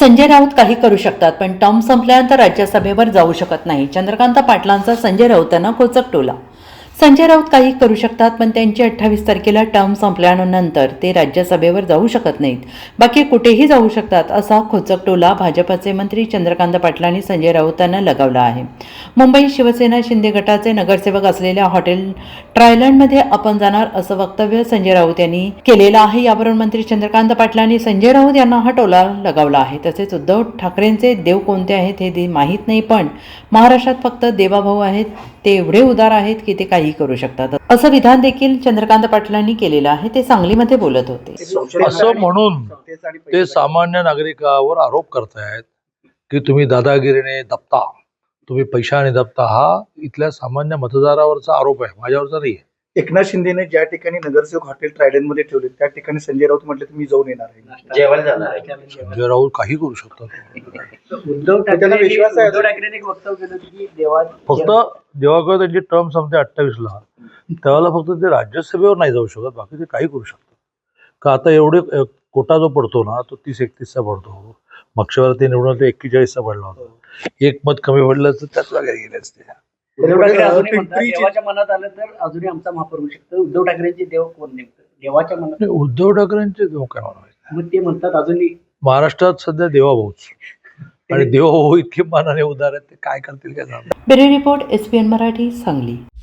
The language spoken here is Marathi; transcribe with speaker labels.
Speaker 1: संजय राऊत काही करू शकतात, पण टर्म संपल्यानंतर राज्यसभेवर जाऊ शकत नाही. चंद्रकांत पाटलांचा संजय राऊतांना खोचक टोला. संजय राऊत काही करू शकतात, पण त्यांची 28 तारखेला टर्म संपल्यानंतर ते राज्यसभेवर जाऊ शकत नाहीत. बाकी कुठेही जाऊ शकतात, असा खोचक टोला भाजपचे मंत्री चंद्रकांत पाटलांनी संजय राऊतांना लगावला आहे. मुंबई शिवसेना शिंदे गटाचे नगरसेवक असलेल्या हॉटेल ट्रायलंडमध्ये आपण जाणार असं वक्तव्य संजय राऊत यांनी केलेलं आहे. यावरून मंत्री चंद्रकांत पाटलांनी संजय राऊत यांना हा टोला लगावला आहे. तसेच उद्धव ठाकरेंचे देव कोणते आहेत हे माहीत नाही, पण महाराष्ट्रात फक्त देवाभाऊ आहेत, ते एवढे उदार आहेत की ते काही करू शकतात, असं विधान देखील चंद्रकांत पाटलांनी केलेलं आहे. ते सांगलीमध्ये बोलत होते.
Speaker 2: असं म्हणून ते सामान्य नागरिकावर आरोप करतायत की तुम्ही दादागिरीने दबता, तुम्ही पैशाने दबता. हा इथल्या सामान्य मतदारावरचा आरोप आहे, माझ्यावरचा नाही.
Speaker 3: एकनाथ शिंदेने ज्या ठिकाणी नगरसेवक हॉटेल ट्रायडन मध्ये ठेवले त्या ठिकाणी संजय राऊत म्हटले तर मी जाऊन येणार आहे,
Speaker 4: जेवायला जाणार आहे.
Speaker 2: संजय राऊत काही करू शकतात.
Speaker 4: उद्धव
Speaker 3: त्याला विश्वास आहे.
Speaker 4: ठाकरेंनी एक वक्तव्य केलं की देवा
Speaker 2: फक्त जेव्हा त्यांची टर्म संपते 28ला, त्यावेळेला फक्त ते राज्यसभेवर नाही जाऊ शकत, बाकी ते काही करू शकतात. का आता एवढे कोटा जो पडतो ना, तो 30-31चा पडतो. मागच्या वेळेला ते निवडून 41चा पडला होता. एक मत कमी पडलं तर त्याच जागा गेले असते.
Speaker 4: उद्धव ठाकरे अजूनही म्हणतात देवाच्या मनात आलं तर अजूनही आमचा महापौर होऊ शकतो. उद्धव ठाकरेंचे देव कोण नेमकं देवाच्या मनात?
Speaker 2: उद्धव ठाकरेंचे देव काय म्हणावे,
Speaker 4: मग ते म्हणतात अजूनही
Speaker 2: महाराष्ट्रात सध्या देवाभाऊच, आणि देवाभाऊ इतके मानाने उदार आहेत, ते काय करतील काय सांगता.
Speaker 1: Bureau report, SPN Marathi, Sangli.